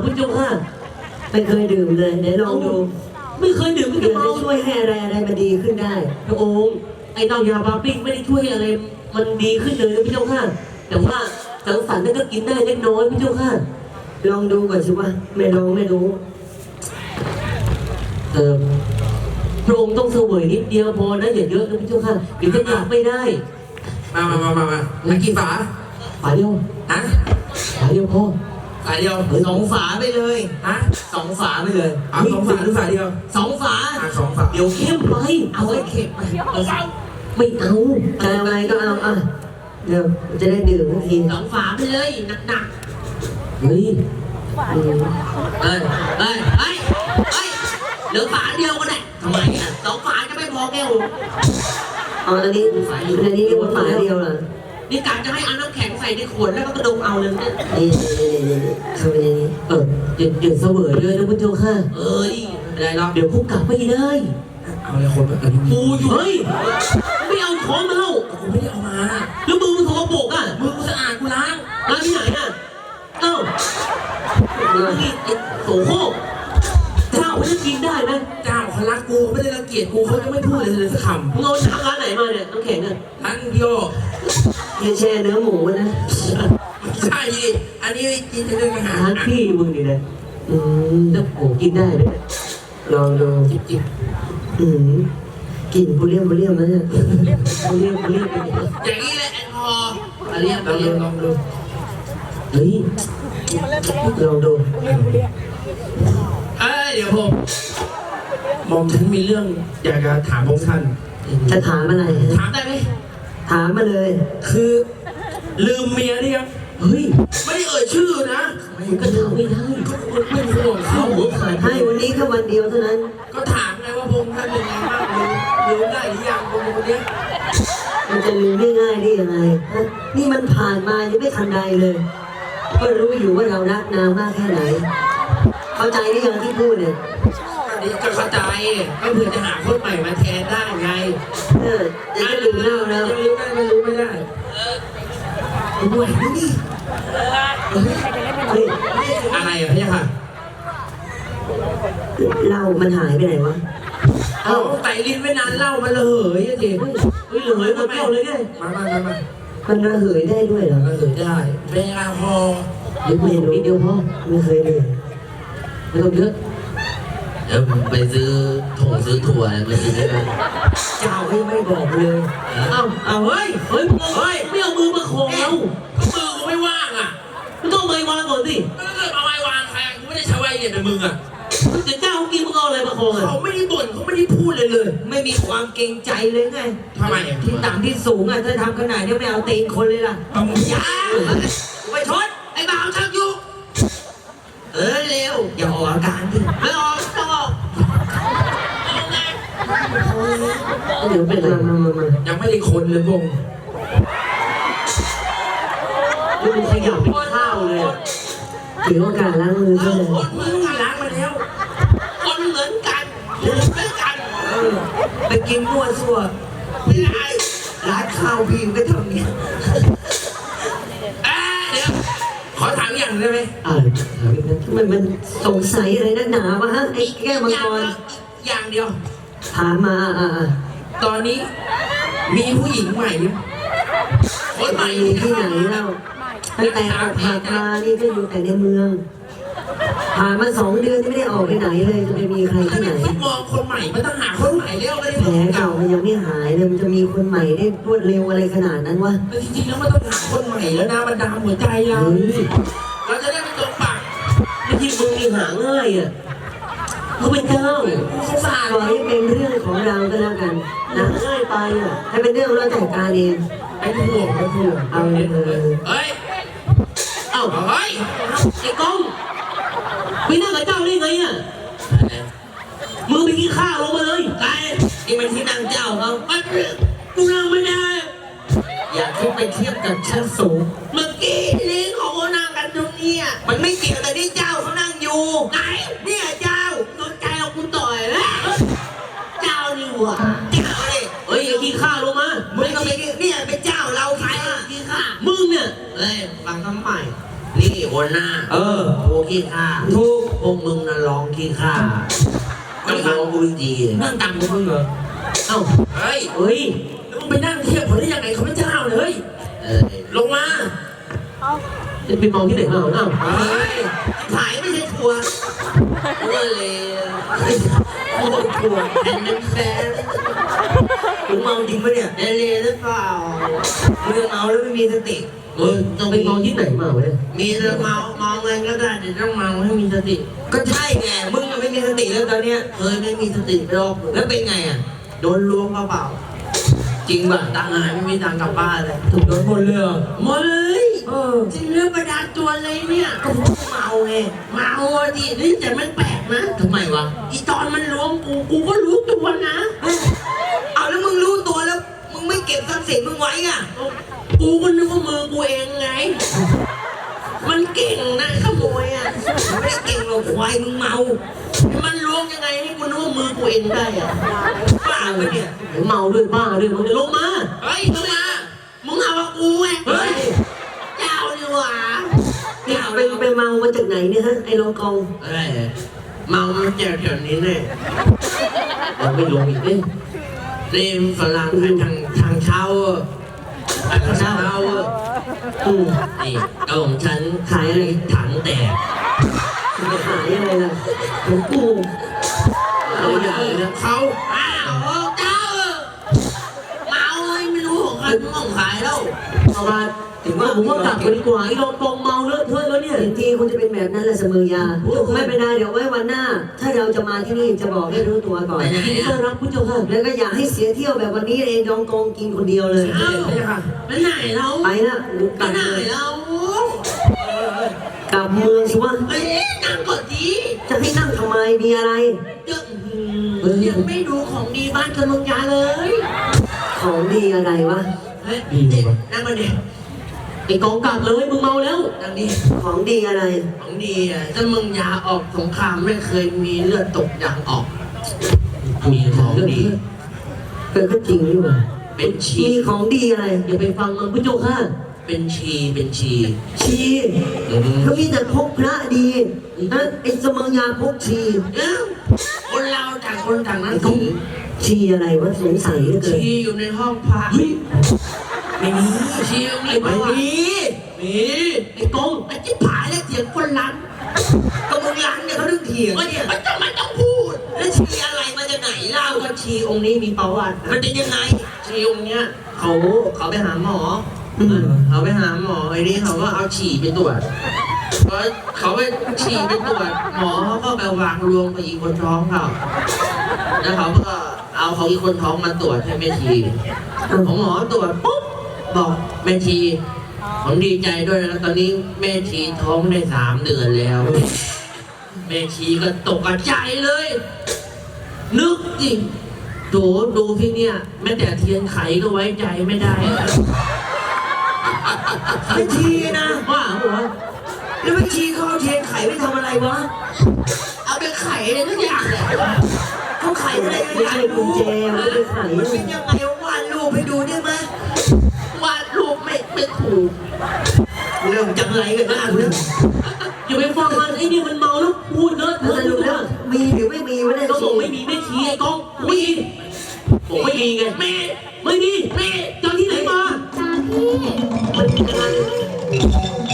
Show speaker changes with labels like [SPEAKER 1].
[SPEAKER 1] พระเจ้าค่ะ
[SPEAKER 2] ไม่เคยดื่มเลยเดี๋ยวลองดู
[SPEAKER 1] ไม่เคยดื่มก็
[SPEAKER 2] เดี๋
[SPEAKER 1] จะ
[SPEAKER 2] ยว
[SPEAKER 1] เมา
[SPEAKER 2] จะช่วยให้อะไรมันดีขึ้นได้
[SPEAKER 1] พระองค์ไอ้เต้ายาบาปิ้งไม่ได้ช่วยให้อะไรมันดีขึ้นเลยนะพระเจ้าค่ะแต่ว่าสังสรรค์นั่นก็กินได้เล็กน้อยพระเจ้าค่ะ
[SPEAKER 2] ลองดูก่อนสิว่าไม่ลองไม่รู้
[SPEAKER 1] พระองค์ต้องเสวยนิดเดียวพอนะอย่าเยอะนะพระเจ้าค่ะเดี๋ยวจะกลับไม่ได้
[SPEAKER 3] มากี่ฝา
[SPEAKER 1] ฝาเดียว
[SPEAKER 3] ฮะ
[SPEAKER 1] ฝาเดียวพอ
[SPEAKER 3] ฝาเดียว
[SPEAKER 4] 2 ฝาไปเลย
[SPEAKER 3] ฮะ
[SPEAKER 4] 2 ฝาไปเลย
[SPEAKER 3] เอา2 ฝาหรือฝาเดียว
[SPEAKER 4] 2 ฝา
[SPEAKER 3] 2 ฝา
[SPEAKER 1] เดี๋ยวเข้มไป
[SPEAKER 4] เอาไว้เข็บไป
[SPEAKER 1] ไม่เอา
[SPEAKER 2] จะเอาอะไรก็เอาอ่ะเดี๋ยวจะได้ดื่มทันที
[SPEAKER 4] 2 ฝาไปเลยหนัก
[SPEAKER 1] เฮ้ย
[SPEAKER 2] อืม
[SPEAKER 4] ๆเฮ้ยเหลือฝาเดียวก็ได้ทำไมอ่ะ2 ฝาจะไม่พอแก้ว
[SPEAKER 2] เอาอันนี้เรียกว่าฝาเดียวเหรอ
[SPEAKER 4] นี่การจะให้เอาน้ำแข็งใส่ในขวดแล้วก็กระดมเอาเลยเนี่ย
[SPEAKER 2] นี่เข้าไปในนี้
[SPEAKER 1] อย่าเสวยเลยนะพระเจ้าค่ะ
[SPEAKER 4] เอ้ยไม่ได้หรอก
[SPEAKER 1] เดี๋ยวพวกกลับไม่ได้
[SPEAKER 3] เอาเลยคนแบบนี้
[SPEAKER 4] กูอยู่
[SPEAKER 1] เฮ้ยไม่เอาของมาเล่า
[SPEAKER 3] กูไม่ได้เอามา
[SPEAKER 1] แล้วมือมันสกปรกอ่ะ
[SPEAKER 4] มือกูสะอาดกูล้าง
[SPEAKER 1] ร้านที่ไหนอ่ะเอ้านี่ไอ้โสโครกเจ้ามันจะกินได้ไหม
[SPEAKER 3] เจ้าเขารักกูไม่ได้รังเกียจกูเขาจะไม่พูดเลยสักค
[SPEAKER 1] มึงเอาน้ำร้านไหนมาเนี่ยน้ำแข็งอ่ะ
[SPEAKER 3] ำทั้งเดียว
[SPEAKER 2] อย่าแช่เนื้อหมูนะ
[SPEAKER 3] ใช่ดิอันนี้กินจะเรื่องอาหาร
[SPEAKER 1] ร้านพี่มึงนี่นะ
[SPEAKER 2] อืม
[SPEAKER 1] แล้วโอ้กินได้ไหมเนี่ย
[SPEAKER 2] ลองดู
[SPEAKER 3] จิบ
[SPEAKER 2] อืมกลิ่นบุเรียมนะเนี่ย
[SPEAKER 1] เขาเรียกไปเนี่ย
[SPEAKER 4] อย่างนี้แหละแอลกอฮอล์เอาเรียก
[SPEAKER 3] ลองดูลองดู
[SPEAKER 1] เฮ้ย
[SPEAKER 2] ลองดู
[SPEAKER 3] เดี๋ยวมอมฉันมีเรื่องอยากจะถามพวกท่าน
[SPEAKER 2] จะถามอะไร
[SPEAKER 4] ถามได้ไหม
[SPEAKER 2] ถามมาเลย
[SPEAKER 3] คือลืมเมียนี่ยัง
[SPEAKER 1] เฮ้ย
[SPEAKER 3] ไม่ได้เอ่ยชื่อนะ
[SPEAKER 1] มึงก็ทำไม่ได้
[SPEAKER 3] ไม่ห่วงเขา
[SPEAKER 1] หัวขาด
[SPEAKER 2] ให้วันนี้แค่วันเดียวเท่านั้น
[SPEAKER 3] ก็ถามไงว่าพงท่านเป็นไงบ้างรู้ได้หรือยังคนนี้
[SPEAKER 2] มันจะลืมง่ายๆได้ยังไงฮะนี่มันผ่านมายังไม่ทันใดเลย ก็รู้อยู่ว่าเรารักนางมากแค่ไหน เข้าใจหรือยังที่พูดเนี่ย
[SPEAKER 3] อันนี้ก็เข้าใจก็เผื่อจะหาคนใหม่มาแทนได้ไง
[SPEAKER 2] จะลืมเล่าแล้ว
[SPEAKER 3] ยังรู้ได้ไม่รู้ไม่ได้ด้วยนี่
[SPEAKER 2] เฮ้ย
[SPEAKER 3] อะไรอ่ะพี่ค่ะ
[SPEAKER 2] เหล้ามันหายไปไหนวะ
[SPEAKER 3] เอาใส่ลิ้นไว้นานเหล้ามันระเหยอ่ะดิ
[SPEAKER 1] เฮ้ยเหลือหมดแก้วเลยไง
[SPEAKER 3] มา
[SPEAKER 2] มันระเหยได้ด้วยเหรอ
[SPEAKER 3] ระเหยได้เป็นแอลกอฮอล์
[SPEAKER 1] เดี๋ยวเมนูนิดเดียวพอ
[SPEAKER 2] ไม่เคยดื่ม
[SPEAKER 1] ไม่ต้องเยอะ
[SPEAKER 4] เดี๋ยวไปซื้อถุงซื้อถั่วอะไรมากินได้ไหม
[SPEAKER 2] เจ้าให้ไม่บอกเลย
[SPEAKER 1] เอ้าเอาเฮ้ยเฮ้ยไม่เอามือมาโขงเรา
[SPEAKER 3] ก็มือกูไม่ว่างอ่ะ
[SPEAKER 1] มึงต้องเอาไม้วางก่อนสิ
[SPEAKER 3] ก็เกิดเอาไว้วางใครกูไม่ได้ใช้ไว้เนี่ยเป็นมึงอ่ะ
[SPEAKER 1] เดี๋ยวเจ้าเขากินมึงเอาอะไรมาโขงอ่ะ
[SPEAKER 3] เขาไม่ได้บ่นเขาไม่ได้พูดเลยเลย
[SPEAKER 4] ไม่มีความเกรงใจเลยไง
[SPEAKER 3] ทำไมอ่ะ
[SPEAKER 4] ที่ต่ำที่สูงอ่ะถ้าทำขนาดนี้ไม่เอาตีนคนเลยล่ะ
[SPEAKER 3] ต้อง
[SPEAKER 4] อย่าไปชดไอ้บ่าวชักยุกเร็วอย่าออกอาการดิไม่ออกต้องออกเอาไง
[SPEAKER 1] เดี๋ยวเป็นอะไร
[SPEAKER 2] มา
[SPEAKER 3] ยังไม่ได้คนเลยพง
[SPEAKER 1] นี่มันขยับเป็นข้าวเลยอะ
[SPEAKER 2] ถือโอกาสล้างมือซะ
[SPEAKER 4] เอา
[SPEAKER 2] เลย
[SPEAKER 4] คนมึงล้างมาแล้วคนเหมือนกันอยู่ด้วยกันไปกินมั่วซั่วไม่ได้ร้านข้าวพี่ก็ทำเงี้ยเดี๋ยวขอถามอย่างได้ไหม
[SPEAKER 2] มันสงสัยอะไรนักหนาวะฮะไอ้แก้วมังกร
[SPEAKER 4] อย่างเดียว
[SPEAKER 2] ถามมา
[SPEAKER 4] ตอนนี้มีผู้หญิงใหม่ไหมคนใหม่
[SPEAKER 2] มีที่ไหนเล่าตั้งแต่ออกหักมานี่ก็อยู่แต่ในเมือง ผ่านมา2 เดือนไม่ได้ออกไปไหนเลยจะไปมีใคร
[SPEAKER 4] ถ้า
[SPEAKER 2] ที่ไหน
[SPEAKER 4] เป็นฟุตบอลคนใหม่มันต้องหาคนใหม่แล้วไม่ได้
[SPEAKER 2] แผลเก่ามันยังไม่หายเลยมันจะมีคนใหม่ได้รวดเร็วอะไรขนาดนั้นวะ
[SPEAKER 4] แต่จริงๆแล้วมันต้องหาคนใหม่แล้วนะมันดามหัวใจเรา
[SPEAKER 2] เฮ้ย
[SPEAKER 4] เราจะได้ไม่ตกปาก
[SPEAKER 1] ไม่ที่มึงมีหาง่ายอ่ะเขาเป็นเจ้า
[SPEAKER 4] สงสาร
[SPEAKER 2] ปล่อยให้เป็นเรื่องของเราก็แล้วกัน
[SPEAKER 1] หา
[SPEAKER 2] นะ
[SPEAKER 1] ง่ายไปอ่ะ
[SPEAKER 2] ถ้าเป็นเรื่องเราจัดการเอง
[SPEAKER 3] ไอ้ห่วง
[SPEAKER 2] เอาเลย
[SPEAKER 4] เฮ้ย
[SPEAKER 1] เอ้า
[SPEAKER 4] เฮ้ย
[SPEAKER 1] ไอ้กองไปนั่งกับเจ้าได้ไงอ่ะมึงไปกินข้าวลงมาเลย
[SPEAKER 4] ไอ้นี่มันที่นั่งเจ้าเขากูนั่งไม่ได้อยากขึ้นไปเทียบกับชั้นสูงเมื่อกี้ลิงของเขานั่งกันตรงนี้มันไม่เกี่ยวแต่ที่เจ้าเขานั่งอยู่ไหนเนี่ยเจ้าโดนใจเราคุณต่อยแล้วเจ้านี่หว่าเจ้าเลย
[SPEAKER 1] เฮ้ยไอ้กินข้าวลงมา
[SPEAKER 4] มึงก็เป็นเนี่ยเป็นเจ้าเราใครกินข้า
[SPEAKER 1] มึงเนี่ย
[SPEAKER 4] เฮ้ยฟังคำใหม่นี่หัวหหน้า
[SPEAKER 3] เออ
[SPEAKER 4] โอ้ขี้ข้า
[SPEAKER 3] ถูก
[SPEAKER 4] พวกมึงน่ะร้องขี้ข้าไม่ฟังกูดีๆ
[SPEAKER 3] นั่งตังกูมึงเหรอ
[SPEAKER 1] เอ้า
[SPEAKER 3] เฮ้ย
[SPEAKER 1] เฮ้ย
[SPEAKER 3] แล้วมึงไปนั่งเทียบเขาได้ยังไงเขาไม่เจ้าเลย ลงมา
[SPEAKER 1] จะไปมองที่ไหนมาเอ้า
[SPEAKER 3] เฮ้ย
[SPEAKER 4] ขายไม่ใช่ทัวร์ก็เลยโอ้ทัวร์แอนด์แฟน
[SPEAKER 2] มึงเมาจริงปะเนี่ย
[SPEAKER 4] เอเลหรือเปล่า
[SPEAKER 2] มึงเมาแล้วไม่มีสติ
[SPEAKER 1] มึงต้องไปมองที่ไหนมาวะเนี่ย
[SPEAKER 4] มีเรื่องเมาเงินก็ได้แต่ต้องเมาให้มีสติ
[SPEAKER 2] ก็ใช่ไงมึงอะไม่มีสติแล้วตอนเนี้ย
[SPEAKER 4] เคยไม่มีสติโรค
[SPEAKER 2] แล้วเป็นไงอ่ะ
[SPEAKER 4] โดนล้วงเปล่า
[SPEAKER 2] จริงป่ะ
[SPEAKER 4] ตังค์หายไม่มีตังค์กลับบ้านเลย
[SPEAKER 3] ถูกโดนหมดเลยเหรอ
[SPEAKER 4] หมดเลย
[SPEAKER 3] เออ
[SPEAKER 4] จริงเรื่องประดาตัวเลยเนี่ยก็เมาไงเมาดินี่แต่มันแปลกนะ
[SPEAKER 2] ทำไมวะ
[SPEAKER 4] อีตอนมันล้วงกูก็รู้ตัวนะ
[SPEAKER 2] เอาแล้วมึงรู้ตัวแล้ว มึงไม่เก็บทรัพย์สินมึงไว้อ่ะ
[SPEAKER 4] กูก็นึกว่ามือกูเองไง มันเก่งนะขโมยอ่ะ
[SPEAKER 2] ไม่ได้เก่งหรอกควายมึงเมา
[SPEAKER 4] มันล้วงยังไงให้กูนึกว่ามือกูเองได้อ่ะ
[SPEAKER 2] บ้าปะเนี่ย
[SPEAKER 1] เมาด้วยบ้าด้วยมึงจะลงมา
[SPEAKER 4] เฮ้ยมึงมามึงเอาว่ากูไง
[SPEAKER 1] เฮ้ย
[SPEAKER 4] เจ้าดีกว่า
[SPEAKER 2] นี่ไปเมามาจากไหนเนี่ยฮะไอ้รองกอง
[SPEAKER 4] เฮ้ยเมามันเจอแถวนี้เนี่ย
[SPEAKER 1] ยังไม่ลงอีกเอ้ย
[SPEAKER 4] นี่ฝรั่งทางเช่าทางเช่า
[SPEAKER 2] อืม
[SPEAKER 4] นี่เอาของฉัน
[SPEAKER 2] ขายอะไร
[SPEAKER 4] ถังแตก
[SPEAKER 2] มึงจะขายอะไรล่ะหลวงปู่
[SPEAKER 4] เอาอย่างนี้นะเขาอ้าวเจ้าเมาไม่รู้ของใครมึงของขายแล้ว
[SPEAKER 1] เอามาถึงว่าผมว่ากลับไปดีกว่าไอ้รองกองเมาเลอะเทอะแล้วเนี่ย
[SPEAKER 2] จริงๆคุณจะเป็นแบบนั้นแหละเสมอยาไม่เป็นไรเดี๋ยวไว้วันหน้า ถ้าเราจะมาที่นี่จะบอกให้รู้ตัวก่อน
[SPEAKER 1] ยินดีต้อนรับผู้เจ้าค่ะ
[SPEAKER 2] แล้วก็อย่าให้เสียเที่ยวแบบวันนี้เองรองกองกินคนเดียวเลย
[SPEAKER 4] เอ้าไปไหนเรา
[SPEAKER 2] ไปละหนู
[SPEAKER 4] ไป
[SPEAKER 2] กลับ
[SPEAKER 4] ไหน
[SPEAKER 2] เลย
[SPEAKER 4] เรา
[SPEAKER 2] กลับเมืองสิวะ
[SPEAKER 4] เฮ้ยนั่งก่อนดี
[SPEAKER 2] จะให้นั่งทำไมมีอะไร
[SPEAKER 4] ยังไม่ดูของดีบ้านกำลังยาเลย
[SPEAKER 2] ของดีอะไรวะ
[SPEAKER 4] เฮ้ยนั่งมาดิ
[SPEAKER 1] ไอ้กองกลับเลยมึงเมาแล้ว
[SPEAKER 4] นั่งดิ
[SPEAKER 2] ของดีอะไร
[SPEAKER 4] ของดีอ่ะถ้ามึงยาออกสงครามไม่เคยมีเลือดตกยางออก มีของดี
[SPEAKER 2] ก็จริงนี่หว่า
[SPEAKER 4] เป็นชี
[SPEAKER 2] มีของดีอะไร
[SPEAKER 1] อย่าไปฟังมันผู้เจ้าค่ะ
[SPEAKER 4] เป็นชี
[SPEAKER 2] ชีเขามีแต่พกพระดีนะไอ้เสมอยาพกชี
[SPEAKER 4] เอ้าคนเราต่างคนต่างนั้นถือ
[SPEAKER 2] ชีอะไรวะสงสัยเหลือเกิน
[SPEAKER 4] ชีอยู่ในห้องพระ
[SPEAKER 2] ไม่มี
[SPEAKER 4] ชีอยู่ในห้องพระมีไอ้กงไอ้จิ๊บผายและเสียงคนรัน
[SPEAKER 2] ก็มึงร้านเนี่ยเขาถึงเถียง
[SPEAKER 4] มัน
[SPEAKER 2] เนี่ย
[SPEAKER 4] มันต้องมันต้องพูด
[SPEAKER 2] แล้วชีอะไรมาจากไหนเล่า
[SPEAKER 4] เล่าว่าชีองค์นี้มีประวัติ
[SPEAKER 2] มันเป็นยังไง
[SPEAKER 4] ชีองค์เนี้ยเขาไปหาหมอเขาไปหาหมอไอ้นี่เขาก็เอาฉี่ไปตรวจพอเขาไปฉี่ไปตรวจหมอเขาก็ไปวางรวมกับอีกคนท้องเขาแล้วเขาก็เอาของอีกคนท้องมาตรวจให้แม่ชีของหมอตรวจปุ๊บบอกแม่ชีผมดีใจด้วยนะตอนนี้แม่ชีท้องได้3 เดือนแล้ว แม่ชีก็ตกใจเลย นึกจริงดูที่เนี่ยแม้แต่เทียนไขก็ไว้ใจไม่ได้
[SPEAKER 2] ไม่ชีนะ
[SPEAKER 4] ว่าหัว
[SPEAKER 2] แล้วไม่ชีเขาเอาเทียนไขไปทำอะไรวะ
[SPEAKER 4] เอาไปไขเลยทุกอย่างเลย
[SPEAKER 2] เขาไขอะไรไม่ใช่กุญแจมันเป็นไข
[SPEAKER 4] มันเป็นยังไงวาดรูปให้ดูได้ไหมวาดรูปไม่ถูก
[SPEAKER 2] เรื่องจังไรกันนะเรื่อง
[SPEAKER 1] อย่าไปฟังมันไอ้นี่มันเมาแล้วพูดเลอะเท
[SPEAKER 2] ส
[SPEAKER 1] อะ
[SPEAKER 2] รุปแล้วมีหรือไม่มีวะเนี่ย
[SPEAKER 1] ก็บ
[SPEAKER 2] ชี
[SPEAKER 1] อกไม่มีไม่ชี้ไอ้กองมีบอกไม่มีไง
[SPEAKER 4] แม่
[SPEAKER 1] ไม่มี
[SPEAKER 4] แม่
[SPEAKER 1] เจ้าที่ไหนมา
[SPEAKER 2] มันยังไง